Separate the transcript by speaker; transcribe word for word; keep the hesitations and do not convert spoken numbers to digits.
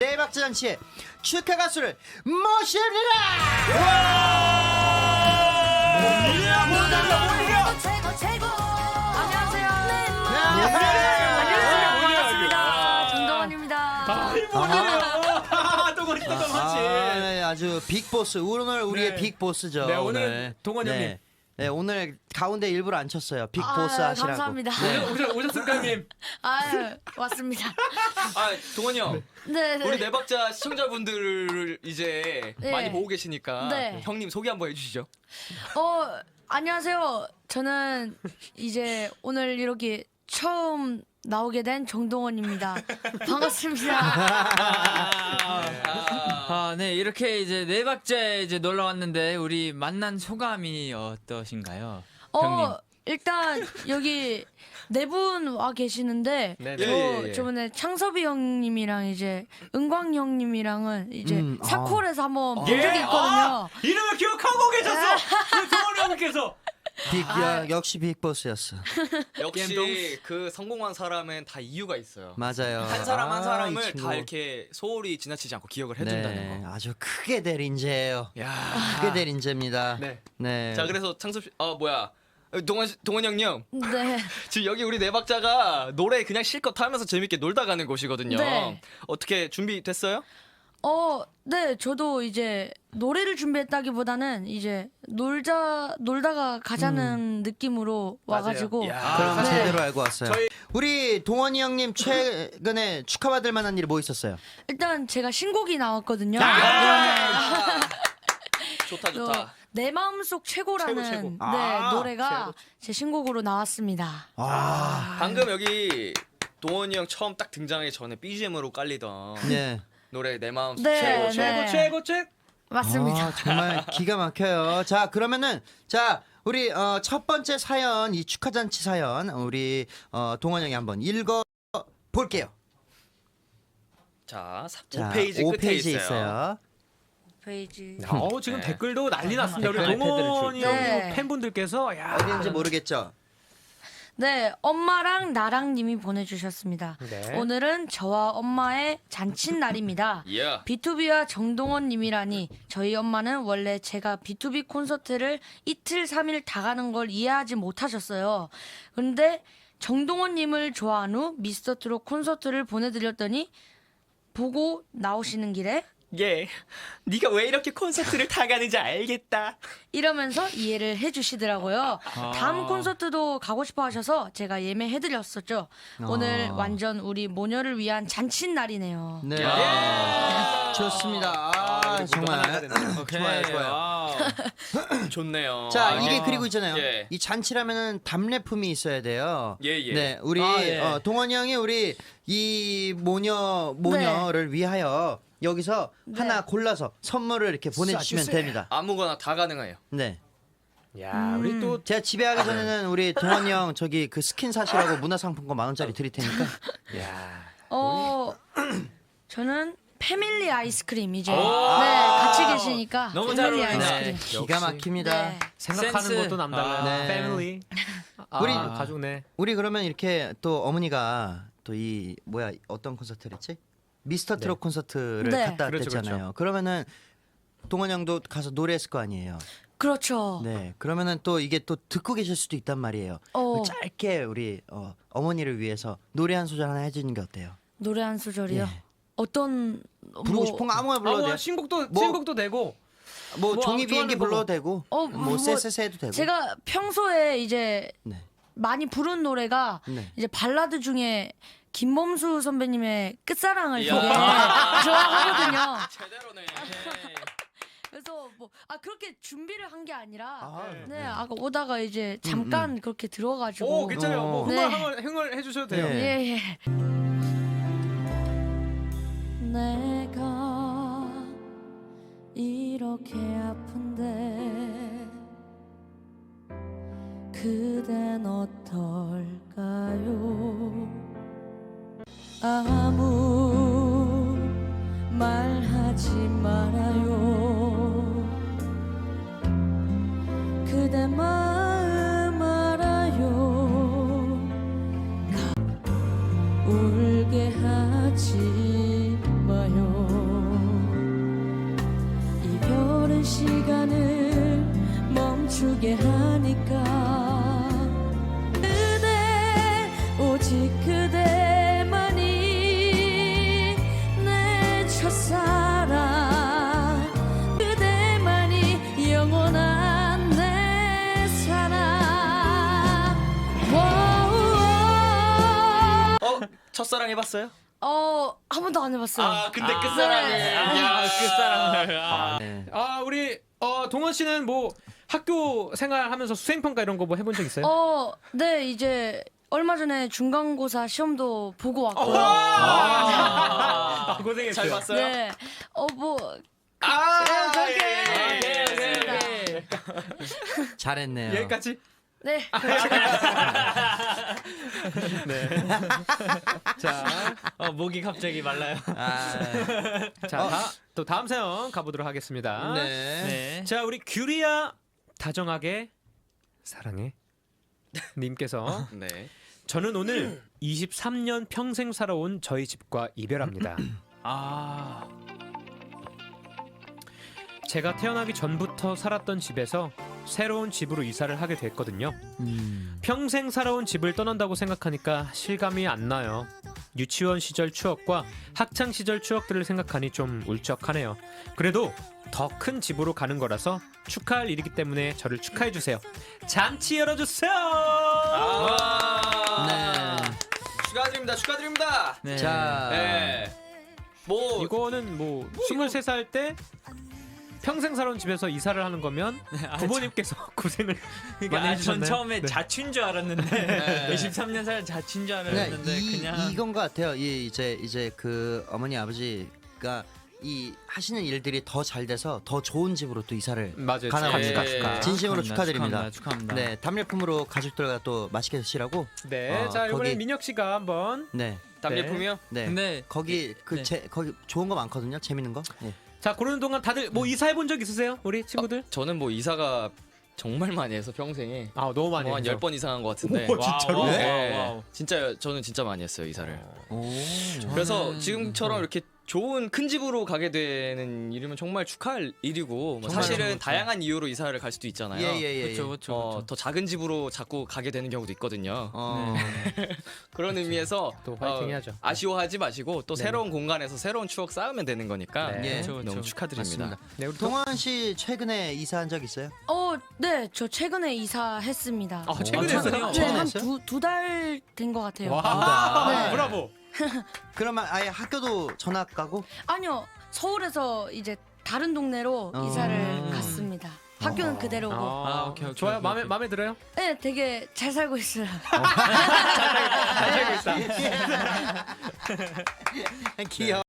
Speaker 1: 대박자 잔치의 축하 가수를 모십니다.
Speaker 2: 최고 최고. 안녕하세요.
Speaker 1: 안녕하세요.
Speaker 2: 정동원입니다.
Speaker 3: 동원이 또 동원씨.
Speaker 1: 아, 네, 아주 빅보스. 오늘 우리의
Speaker 3: 네.
Speaker 1: 빅보스죠.
Speaker 3: 네, 오늘 동원
Speaker 1: 네.
Speaker 3: 형님.
Speaker 1: 네, 오늘 가운데 일부러 앉혔어요. 빅보스
Speaker 2: 아,
Speaker 1: 하시라고.
Speaker 2: 감사합니다.
Speaker 1: 네.
Speaker 3: 오셨, 오셨습니까 형님?
Speaker 2: 아유, 왔습니다.
Speaker 4: 아 동원이 형,
Speaker 2: 네, 네.
Speaker 4: 우리 네박자 시청자분들을 이제
Speaker 2: 네.
Speaker 4: 많이 보고 계시니까
Speaker 2: 네.
Speaker 4: 형님 소개 한번 해주시죠.
Speaker 2: 어, 안녕하세요. 저는 이제 오늘 이렇게 처음 나오게 된 정동원입니다. 반갑습니다.
Speaker 5: 아, 네, 이렇게 이제 네 박자에 이제 놀러 왔는데 우리 만난 소감이 어떠신가요, 형님?
Speaker 2: 어, 일단 여기 네 분 와 계시는데
Speaker 3: 네,
Speaker 2: 저
Speaker 4: 네. 예, 예, 예.
Speaker 2: 저번에 창섭이 형님이랑 이제 은광 형님이랑은 이제
Speaker 1: 음, 아.
Speaker 2: 사콜에서 한번 본
Speaker 3: 예?
Speaker 2: 적이 있거든요.
Speaker 3: 아, 이름을 기억하고 계셨어. 그 동원 형님께서.
Speaker 1: 빅,
Speaker 2: 아.
Speaker 1: 야, 역시 빅보스였어.
Speaker 4: 역시 그 성공한 사람은 다 이유가 있어요.
Speaker 1: 맞아요.
Speaker 4: 한 사람 한
Speaker 1: 아, 이
Speaker 4: 사람을
Speaker 1: 친구.
Speaker 4: 다 이렇게 소홀히 지나치지 않고 기억을 해준다는
Speaker 1: 네,
Speaker 4: 거.
Speaker 1: 아주 크게 될 인재예요.
Speaker 4: 야.
Speaker 1: 크게 될 인재입니다.
Speaker 4: 네.
Speaker 1: 네.
Speaker 4: 자 그래서 창섭 씨, 어 뭐야, 동원 씨- 동원 형님.
Speaker 2: 네.
Speaker 4: 지금 여기 우리 네박자가 노래 그냥 실컷 하면서 재밌게 놀다 가는 곳이거든요.
Speaker 2: 네.
Speaker 4: 어떻게 준비됐어요?
Speaker 2: 어, 네, 저도 이제 노래를 준비했다기보다는 이제 놀자 놀다가 가자는 느낌으로 와가지고
Speaker 4: 야.
Speaker 1: 그럼
Speaker 2: 네.
Speaker 1: 제대로 알고 왔어요.
Speaker 4: 저희-
Speaker 1: 우리 동원이 형님 최근에 축하받을 만한 일이 뭐 있었어요?
Speaker 2: 일단 제가 신곡이 나왔거든요.
Speaker 4: 아! 좋다
Speaker 2: 또
Speaker 4: 좋다.
Speaker 2: 내 마음속 최고라는
Speaker 4: 최고, 최고.
Speaker 2: 네,
Speaker 1: 아,
Speaker 2: 노래가 제 신곡으로 나왔습니다.
Speaker 1: 아,
Speaker 4: 방금 여기 동원이 형 처음 딱 등장하기 전에 비지엠으로 깔리던
Speaker 1: 네.
Speaker 4: 노래 내 마음
Speaker 2: 네,
Speaker 4: 최고
Speaker 2: 네.
Speaker 4: 최고.
Speaker 3: 최고 최고.
Speaker 2: 맞습니다.
Speaker 1: 아, 정말 기가 막혀요. 자, 그러면은 자 우리 어, 첫 번째 사연, 이 축하잔치 사연 우리 어, 동원 형이 한번 읽어 볼게요.
Speaker 4: 자,
Speaker 1: 자,
Speaker 4: 오 페이지
Speaker 1: 오
Speaker 4: 끝에
Speaker 1: 페이지
Speaker 4: 있어요.
Speaker 1: 있어요.
Speaker 2: 페이지.
Speaker 3: 어 지금
Speaker 4: 네.
Speaker 3: 댓글도 난리 났습니다. 우리
Speaker 1: 댓글
Speaker 3: 동원이
Speaker 2: 네.
Speaker 3: 형 팬분들께서 야.
Speaker 1: 어디인지 모르겠죠.
Speaker 2: 네, 엄마랑 나랑 님이 보내주셨습니다.
Speaker 3: 네.
Speaker 2: 오늘은 저와 엄마의 잔칫날입니다.
Speaker 4: 예.
Speaker 2: 비투비와 정동원 님이라니 저희 엄마는 원래 제가 비투비 콘서트를 이틀 삼일 다 가는 걸 이해하지 못하셨어요. 근데 정동원 님을 좋아한 후 미스터트롯 콘서트를 보내드렸더니 보고 나오시는 길에
Speaker 4: 예. 네가 왜 이렇게 콘서트를 다 가는지 알겠다.
Speaker 2: 이러면서 이해를 해주시더라고요. 다음 콘서트도 가고 싶어 하셔서 제가 예매해드렸었죠. 오늘
Speaker 1: 아.
Speaker 2: 완전 우리 모녀를 위한 잔칫날이네요.
Speaker 1: 네.
Speaker 4: 야.
Speaker 1: 좋습니다. 아,
Speaker 4: 우리 모두
Speaker 1: 정말
Speaker 4: 하나가 됐네요.
Speaker 5: 오케이.
Speaker 1: 좋아요, 좋아요.
Speaker 5: 아,
Speaker 4: 좋네요.
Speaker 1: 자,
Speaker 4: 아,
Speaker 1: 이게
Speaker 4: 예.
Speaker 1: 그리고 있잖아요.
Speaker 4: 예.
Speaker 1: 이 잔치라면은 답례품이 있어야 돼요.
Speaker 4: 예, 예.
Speaker 1: 네, 우리
Speaker 5: 아, 예.
Speaker 1: 어, 동원이 형이 우리 이 모녀 모녀를 위하여 여기서
Speaker 2: 네.
Speaker 1: 하나 골라서 선물을 이렇게 보내주시면
Speaker 3: 쏴주세요.
Speaker 1: 됩니다.
Speaker 4: 아무거나 다 가능해요.
Speaker 1: 네,
Speaker 3: 야, 우리 또
Speaker 1: 제가 집에 가기 전에는 우리 동원이 형 저기 그 스킨 사시라고 문화상품권 만 원짜리 드릴 테니까.
Speaker 3: 야.
Speaker 2: 어, 저는 패밀리 아이스크림 이제 네 같이 계시니까
Speaker 5: 너무 잘
Speaker 2: 패밀리
Speaker 5: 어울리네.
Speaker 2: 아이스크림.
Speaker 1: 기가 막힙니다.
Speaker 2: 네.
Speaker 3: 생각하는
Speaker 5: 센스.
Speaker 3: 것도 남달라요.
Speaker 1: 아. 네.
Speaker 3: 패밀리.
Speaker 1: 우리-
Speaker 3: 아, 가족네.
Speaker 1: 우리 그러면 이렇게 또 어머니가 또 이 뭐야 어떤 콘서트를 했지? 미스터 트롯
Speaker 3: 네.
Speaker 1: 콘서트를
Speaker 2: 네.
Speaker 1: 갔다
Speaker 3: 그렇죠,
Speaker 1: 왔댔잖아요. 그러면은 동원 형도 가서 노래했을 거 아니에요.
Speaker 2: 그렇죠.
Speaker 1: 네. 그러면은 또 이게 또 듣고 계실 수도 있단 말이에요.
Speaker 2: 어,
Speaker 1: 짧게 우리 어, 어머니를 위해서 노래 한 소절 하나 해주는 게 어때요?
Speaker 2: 노래 한 소절이요.
Speaker 1: 예.
Speaker 2: 어떤
Speaker 1: 부르고
Speaker 2: 뭐,
Speaker 1: 싶은 거 아무거나 불러도
Speaker 3: 아,
Speaker 1: 돼요.
Speaker 3: 신곡도
Speaker 1: 뭐-
Speaker 3: 신곡도 되고.
Speaker 1: 뭐,
Speaker 3: 뭐
Speaker 1: 종이 비행기
Speaker 3: 좋아하는 거
Speaker 1: 불러도 되고,
Speaker 2: 어,
Speaker 1: 뭐
Speaker 2: 뭐
Speaker 1: 쎄쎄쎄 해도 되고.
Speaker 2: 제가 평소에 이제
Speaker 1: 네.
Speaker 2: 많이 부른 노래가
Speaker 1: 네.
Speaker 2: 이제 발라드 중에 김범수 선배님의 끝사랑을 되게
Speaker 4: 이야.
Speaker 2: 좋아하거든요.
Speaker 4: 제대로네.
Speaker 2: 그래서 뭐 아 그렇게 준비를 한 게 아니라
Speaker 1: 아,
Speaker 2: 네 아까 오다가 이제 잠깐 그렇게 들어가지고
Speaker 3: 오, 괜찮아요. 뭐
Speaker 1: 어.
Speaker 3: 흥얼
Speaker 2: 네.
Speaker 3: 흥얼 흥얼 해 주셔도 돼요.
Speaker 1: 네.
Speaker 2: 예, 예. 내가 이렇게 아픈데 그댄 어떨까요? 아무 말하지 말아요. 그대 마음 알아요. 울게 하지 마요. 멈추게 하니까 그대 오직 그대만이 내 첫사랑 그대만이 영원한 내 사랑. 와우.
Speaker 4: 어 첫사랑 해봤어요?
Speaker 2: 어, 한 번도 안 해봤어요.
Speaker 4: 아 근데
Speaker 5: 아,
Speaker 4: 끝사랑이.
Speaker 2: 네.
Speaker 5: 아, 끝사랑을. 아.
Speaker 1: 네.
Speaker 3: 아 우리 어, 동원 씨는 뭐 학교 생활하면서 수행평가 이런 거 뭐 해본 적 있어요?
Speaker 2: 어, 네, 이제 얼마 전에 중간고사 시험도 보고 왔고요.
Speaker 3: 아, 고생했어요.
Speaker 4: 잘 봤어요?
Speaker 2: 네, 어, 뭐,
Speaker 4: 아
Speaker 2: 저렇게
Speaker 4: 예, 예, 예, 예.
Speaker 2: 했습니다.
Speaker 1: 잘했네요.
Speaker 3: 여기까지.
Speaker 2: 네,
Speaker 3: 네. 자,
Speaker 5: 어, 목이 갑자기 말라요.
Speaker 1: 아,
Speaker 3: 자, 다, 또 다음 사연 가보도록 하겠습니다.
Speaker 1: 네.
Speaker 5: 네.
Speaker 3: 자, 우리 규리야 다정하게 사랑해 님께서
Speaker 4: 네.
Speaker 3: 저는 오늘 이십삼 년 평생 살아온 저희 집과 이별합니다.
Speaker 5: 아.
Speaker 3: 제가 태어나기 전부터 살았던 집에서 새로운 집으로 이사를 하게 됐거든요.
Speaker 1: 음.
Speaker 3: 평생 살아온 집을 떠난다고 생각하니까 실감이 안 나요. 유치원 시절 추억과 학창 시절 추억들을 생각하니 좀 울적하네요. 그래도 더 큰 집으로 가는 거라서 축하할 일이기 때문에 저를 축하해 주세요. 잔치 열어주세요.
Speaker 4: 아
Speaker 1: 네.
Speaker 4: 축하드립니다. 축하드립니다.
Speaker 5: 네.
Speaker 1: 자,
Speaker 4: 네. 뭐
Speaker 3: 이거는 뭐 스물세 살 때 평생 살아온 집에서 이사를 하는 거면
Speaker 5: 아,
Speaker 3: 부모님께서 고생을
Speaker 5: 그러니까
Speaker 3: 많이
Speaker 5: 아,
Speaker 3: 해주셨나요?
Speaker 5: 전 처음에
Speaker 3: 네.
Speaker 5: 자취인 줄 알았는데
Speaker 4: 네.
Speaker 5: 이십삼 년 살 자취인 줄
Speaker 1: 그냥
Speaker 5: 알았는데
Speaker 1: 이,
Speaker 5: 그냥
Speaker 1: 이건 것 같아요. 이 이제 이제 그 어머니 아버지가 이 하시는 일들이 더 잘 돼서 더 좋은 집으로 또 이사를
Speaker 3: 맞아요.
Speaker 1: 가나
Speaker 4: 예.
Speaker 1: 봅니다.
Speaker 4: 축하,
Speaker 1: 진심으로 축하드립니다.
Speaker 5: 축하합니다.
Speaker 1: 네, 답례품으로 가족들과 또 맛있게 드시라고.
Speaker 3: 네,
Speaker 1: 어,
Speaker 3: 자 이번에
Speaker 1: 거기-
Speaker 3: 민혁 씨가 한번
Speaker 1: 네,
Speaker 4: 답례품이요?
Speaker 1: 네.
Speaker 5: 근데
Speaker 1: 거기 그
Speaker 5: 네.
Speaker 1: 제 거기 좋은 거 많거든요. 재밌는 거. 네.
Speaker 3: 자 고르는 동안 다들 뭐 이사해 본 적 있으세요, 우리 친구들?
Speaker 4: 저는 뭐 이사가 정말 많이 해서 평생에
Speaker 3: 아 너무 많이
Speaker 4: 뭐 한
Speaker 3: 해서.
Speaker 4: 열 번 이상 한 것 같은데.
Speaker 3: 오, 진짜로?
Speaker 5: 와우,
Speaker 4: 네.
Speaker 5: 와우, 와우.
Speaker 4: 진짜 저는 진짜 많이 했어요 이사를.
Speaker 1: 오.
Speaker 4: 그래서
Speaker 5: 저는-
Speaker 4: 지금처럼 이렇게 좋은 큰 집으로 가게 되는 일이면 정말 축하할 일이고 뭐
Speaker 5: 정말
Speaker 4: 사실은
Speaker 5: 그렇죠.
Speaker 4: 다양한 이유로 이사를 갈 수도 있잖아요.
Speaker 1: 예예예.
Speaker 5: 그렇죠, 그렇죠.
Speaker 4: 어, 더 작은 집으로 자꾸 가게 되는 경우도 있거든요.
Speaker 1: 어.
Speaker 4: 그런 의미에서
Speaker 3: 또 화이팅 해야죠.
Speaker 4: 아쉬워하지 마시고 또
Speaker 3: 네네.
Speaker 4: 새로운 공간에서 새로운 추억 쌓으면 되는 거니까
Speaker 3: 네.
Speaker 1: 예.
Speaker 5: 그렇죠,
Speaker 4: 너무
Speaker 5: 그렇죠.
Speaker 4: 축하드립니다.
Speaker 1: 맞습니다.
Speaker 3: 네, 우리 동...
Speaker 1: 동원 씨 최근에 이사한 적 있어요?
Speaker 2: 어, 네, 저 최근에 이사했습니다.
Speaker 3: 아 최근에
Speaker 1: 어,
Speaker 3: 했어요?
Speaker 2: 네,
Speaker 1: 최근에
Speaker 2: 한
Speaker 1: 했어요?
Speaker 2: 두 두 달 된 것 같아요.
Speaker 3: 와,
Speaker 2: 네.
Speaker 3: 브라보.
Speaker 1: 그러면 아예 학교도 전학 가고?
Speaker 2: 아니요, 서울에서 이제 다른 동네로
Speaker 1: 어.
Speaker 2: 이사를 갔습니다. 학교는 그대로고.
Speaker 5: 아, 오케이, 오케이,
Speaker 3: 좋아요.
Speaker 5: 오케이,
Speaker 3: 마음에
Speaker 5: 오케이.
Speaker 3: 마음에 들어요?
Speaker 2: 네, 되게 잘 살고 있어요.
Speaker 3: 잘 살고 있다.
Speaker 1: 귀여워.